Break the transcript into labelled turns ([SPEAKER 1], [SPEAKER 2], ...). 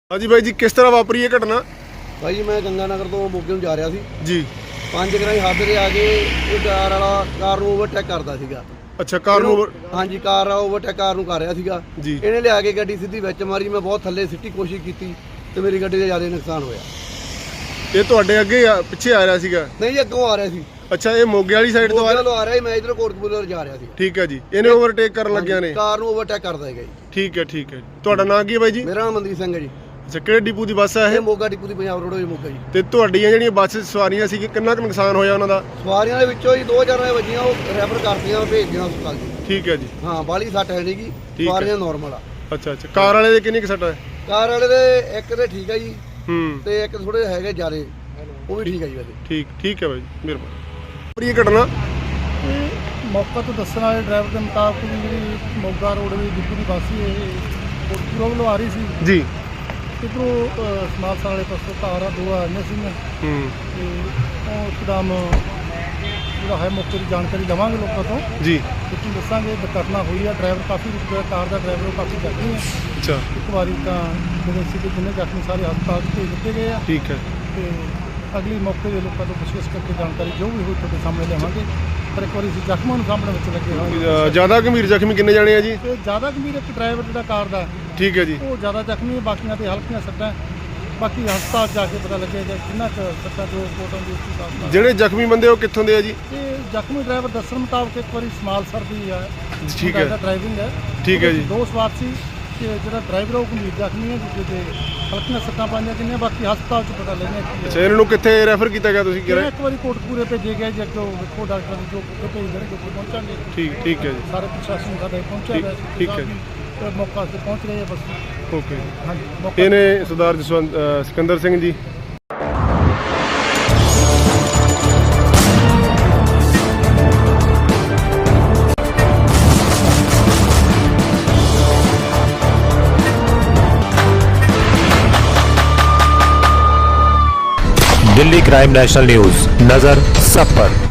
[SPEAKER 1] हाँ जी भाई जी, किस तरह वापरी है घटना?
[SPEAKER 2] भाई मैं गंगानगर तो मोगे ਨੂੰ ਜਾ ਰਿਹਾ ਸੀ
[SPEAKER 1] जी।
[SPEAKER 2] 5 ਗਰਾਈ ਹੱਦ ਦੇ ਆ ਕੇ ਇਹ ਕਾਰ ਵਾਲਾ ਕਾਰ ਨੂੰ ਓਵਰਟੇਕ ਕਰਦਾ ਸੀਗਾ।
[SPEAKER 1] अच्छा, कार ਨੂੰ
[SPEAKER 2] ਹਾਂਜੀ ਕਾਰ ਓਵਰਟੇਕ ਕਾਰ ਨੂੰ ਕਰ ਰਿਹਾ ਸੀਗਾ
[SPEAKER 1] ਜੀ।
[SPEAKER 2] ਇਹਨੇ ਲਿਆ ਕੇ ਗੱਡੀ ਸਿੱਧੀ ਵਿੱਚ ਮਾਰੀ। ਮੈਂ ਬਹੁਤ ਥੱਲੇ ਸਿੱਟੀ ਕੋਸ਼ਿਸ਼ ਕੀਤੀ ਤੇ ਮੇਰੀ ਗੱਡੀ ਦਾ ਜ਼ਿਆਦਾ ਨੁਕਸਾਨ ਹੋਇਆ।
[SPEAKER 1] ਇਹ ਤੁਹਾਡੇ ਅੱਗੇ ਪਿੱਛੇ ਆ ਰਿਹਾ ਸੀਗਾ?
[SPEAKER 2] ਨਹੀਂ ਅੱਗੋਂ ਆ ਰਿਹਾ ਸੀ।
[SPEAKER 1] ਅੱਛਾ, ਇਹ ਮੋਗੇ ਵਾਲੀ ਸਾਈਡ ਤੋਂ
[SPEAKER 2] ਆ ਰਿਹਾ ਸੀ। ਮੈਂ ਇਧਰ ਕੋਟਕਪੂਰੇ ਜਾ ਰਿਹਾ ਸੀ।
[SPEAKER 1] ਠੀਕ ਹੈ ਜੀ। ਇਹਨੇ ਓਵਰਟੇਕ ਕਰਨ ਲੱਗਿਆ ਨੇ
[SPEAKER 2] ਕਾਰ ਨੂੰ ਓਵਰਟੇਕ ਕਰਦਾ ਹੈਗਾ ਜੀ।
[SPEAKER 1] ਠੀਕ ਹੈ ਠੀਕ ਹੈ। ਤੁਹਾਡਾ ਨਾਮ ਕੀ ਹੈ ਬਾਈ ਜੀ?
[SPEAKER 2] ਮੇਰਾ ਨਾਮ ਮਨਦੀਪ ਸਿੰਘ ਹੈ ਜੀ।
[SPEAKER 1] ਅੱਛਾ, ਕਿਹੜੇ ਡਿਪੂ ਦੀ ਬੱਸ ਹੈ
[SPEAKER 2] ਇਹ ਮੋਗਾ ਡਿਪੂ ਦੀ ਪੰਜਾਬ ਰੋਡ ਹੋਈ ਮੋਗਾ ਜੀ।
[SPEAKER 1] ਤੇ ਤੁਹਾਡੀਆਂ ਜਿਹੜੀਆਂ ਬੱਸ ਸਵਾਰੀਆਂ ਸੀ ਕਿੰਨਾ ਕੁ ਨੁਕਸਾਨ ਹੋਇਆ ਉਹਨਾਂ ਦਾ?
[SPEAKER 2] ਸਵਾਰੀਆਂ ਦੇ ਵਿੱਚੋਂ ਹੀ 2000 ਵੱਜੀਆਂ, ਉਹ ਰੈਫਰ ਕਰਤੀਆਂ, ਭੇਜਦੀਆਂ ਹਸਪਤਾਲ ਜੀ।
[SPEAKER 1] ਠੀਕ ਹੈ ਜੀ।
[SPEAKER 2] ਹਾਂ ਬਾਲੀ ਸੱਟ ਹੈ ਨਹੀਂਗੀ, ਸਵਾਰੀਆਂ ਨਾਰਮਲ ਆ।
[SPEAKER 1] ਅੱਛਾ ਅੱਛਾ। ਕਾਰ ਵਾਲੇ ਦੇ ਕਿੰਨੀ ਕੁ ਸੱਟ ਹੈ?
[SPEAKER 2] ਕਾਰ ਵਾਲੇ ਦੇ ਇੱਕ ਤੇ ਠੀਕ ਹੈ ਜੀ
[SPEAKER 1] ਤੇ
[SPEAKER 2] ਇੱਕ ਥੋੜੇ ਹੈਗੇ ਜ਼ਿਆਦੇ, ਉਹ ਵੀ ਠੀਕ ਹੈ ਜੀ ਵੈਸੇ।
[SPEAKER 1] ਠੀਕ ਹੈ ਬਾਈ ਜੀ, ਮਿਹਰਬਾਨੀ। ਇਹ ਘਟਨਾ
[SPEAKER 3] ਮੌਕਾ ਤੋਂ ਦੱਸਣ ਵਾਲੇ ਡਰਾਈਵਰ ਦੇ ਮੁਤਾਬਕ ਵੀ ਜਿਹੜੀ ਮੋਗਾ ਰੋਡ ਦੀ ਡਿਪੂ ਦੀ ਬੱਸ ਸੀ ਇਹ ਕੋਟਕਪੂਰਾ ਵੱਲੋਂ ਆ ਰਹੀ ਸੀ
[SPEAKER 1] ਜੀ।
[SPEAKER 3] ਇੱਧਰੋਂ ਸਮਾਲਸਰ ਵਾਲੇ ਪਾਸੋਂ ਕਾਰਾਂ ਦੋ ਆ ਰਹੀਆਂ ਸੀਗੀਆਂ ਤੇ ਉਹ ਇੱਕਦਮ ਜਿਹੜਾ ਹੈ ਮੌਕੇ ਦੀ ਜਾਣਕਾਰੀ ਲਵਾਂਗੇ ਲੋਕਾਂ ਤੋਂ
[SPEAKER 1] ਜੀ।
[SPEAKER 3] ਤੁਸੀਂ ਦੱਸਾਂਗੇ ਦੁਰਘਟਨਾ ਹੋਈ ਆ। ਡਰਾਈਵਰ ਕਾਫੀ ਕਾਰ ਦਾ ਡਰਾਈਵਰ ਉਹ ਕਾਫੀ ਜ਼ਖਮੀ ਹੈ।
[SPEAKER 1] ਅੱਛਾ,
[SPEAKER 3] ਇੱਕ ਵਾਰੀ ਤਾਂ ਜਿਹੜੇ ਸੀਗੇ ਜਿੰਨੇ ਜ਼ਖਮੀ ਸਾਰੇ ਹਸਪਤਾਲ 'ਚ ਭੇਜ ਦਿੱਤੇ ਗਏ ਆ
[SPEAKER 1] ਠੀਕ ਹੈ।
[SPEAKER 3] ਤੇ ਅਗਲੀ ਮੌਕੇ ਦੇ ਲੋਕਾਂ ਤੋਂ ਪੁੱਛਗਿੱਛ ਕਰਕੇ ਜਾਣਕਾਰੀ ਜੋ ਵੀ ਹੋਈ ਤੁਹਾਡੇ ਸਾਹਮਣੇ ਲਿਆਵਾਂਗੇ। ਪਰ ਇੱਕ ਵਾਰੀ ਅਸੀਂ ਜ਼ਖਮਾਂ ਨੂੰ ਸਾਹਮਣੇ ਵਿੱਚ ਲੱਗੇ ਹੋਏ।
[SPEAKER 1] ਜ਼ਿਆਦਾ ਗੰਭੀਰ ਜ਼ਖਮੀ ਕਿੰਨੇ ਜਾਣੇ ਆ ਜੀ?
[SPEAKER 3] ਤੇ ਜ਼ਿਆਦਾ ਗੰਭੀਰ ਇੱਕ ਡਰਾਈਵਰ ਜਿਹੜਾ ਕਾਰ ਦਾ
[SPEAKER 1] ਠੀਕ ਹੈ ਜੀ।
[SPEAKER 3] ਉਹ ਜ਼ਿਆਦਾ ਜ਼ਖਮੀ ਹੈ, ਬਾਕੀਆਂ ਤੇ ਹਲਕੀਆਂ ਸੱਟਾਂ। ਬਾਕੀ ਹਸਪਤਾਲ ਜਾ ਕੇ ਪਤਾ ਲੱਗੇਗਾ ਕਿੰਨਾ ਕੁ ਸੱਟਾਂ ਜੋ ਕੋਟਾਂ ਦੀ ਹਸਪਤਾਲ।
[SPEAKER 1] ਜਿਹੜੇ ਜ਼ਖਮੀ ਬੰਦੇ ਉਹ ਕਿੱਥੋਂ ਦੇ ਆ ਜੀ?
[SPEAKER 3] ਤੇ ਜ਼ਖਮੀ ਡਰਾਈਵਰ ਦੱਸਣ ਮੁਤਾਬਕ ਇੱਕ ਵਾਰੀ ਸਮਾਲਸਰ ਦੀ ਹੈ।
[SPEAKER 1] ਠੀਕ ਹੈ।
[SPEAKER 3] ਡਰਾਈਵਿੰਗ ਹੈ।
[SPEAKER 1] ਠੀਕ ਹੈ ਜੀ।
[SPEAKER 3] ਦੋ ਸਵਾਰ ਸੀ ਕਿ ਜਿਹੜਾ ਡਰਾਈਵਰ ਉਹ ਗੰਭੀਰ ਜ਼ਖਮੀ ਹੈ, ਦੂਜੇ ਤੇ ਹਲਕੀਆਂ ਸੱਟਾਂ ਪਾਈਆਂ ਕਿੰਨੇ। ਬਾਕੀ ਹਸਪਤਾਲ 'ਚ ਪਤਾ ਲੱਗਣਾ ਕੀ
[SPEAKER 1] ਅੱਛਾ, ਇਹਨਾਂ ਨੂੰ ਕਿੱਥੇ ਰੈਫਰ ਕੀਤਾ ਗਿਆ ਤੁਸੀਂ ਕਿਹਾ?
[SPEAKER 3] ਇੱਕ ਵਾਰੀ ਕੋਟਕਪੂਰੇ ਭੇਜੇ ਗਏ ਜੀ। ਅੱਗੇ ਵੇਖੋ ਡਾਕਟਰ ਜੋ ਭੇਜ ਦੇਣਗੇ ਪਹੁੰਚਾਂਗੇ।
[SPEAKER 1] ਠੀਕ ਹੈ ਜੀ।
[SPEAKER 3] ਸਾਰੇ ਪ੍ਰਸ਼ਾਸਨ ਸਾਡੇ ਪਹੁੰਚਿਆ ਹੋਇਆ ਸੀ।
[SPEAKER 1] ਠੀਕ ਹੈ ਜੀ।
[SPEAKER 3] ਤੇ ਮੌਕਾ ਤੇ ਪਹੁੰਚ ਰਹੇ ਆ ਬਸ।
[SPEAKER 1] ਓਕੇ।
[SPEAKER 3] ਹਾਂਜੀ
[SPEAKER 1] ਇਹਨੇ ਸਰਦਾਰ ਜਸਵੰਤ ਸਿਕੰਦਰ ਸਿੰਘ ਜੀ।
[SPEAKER 4] दिल्ली क्राइम नेशनल न्यूज, नजर सब पर।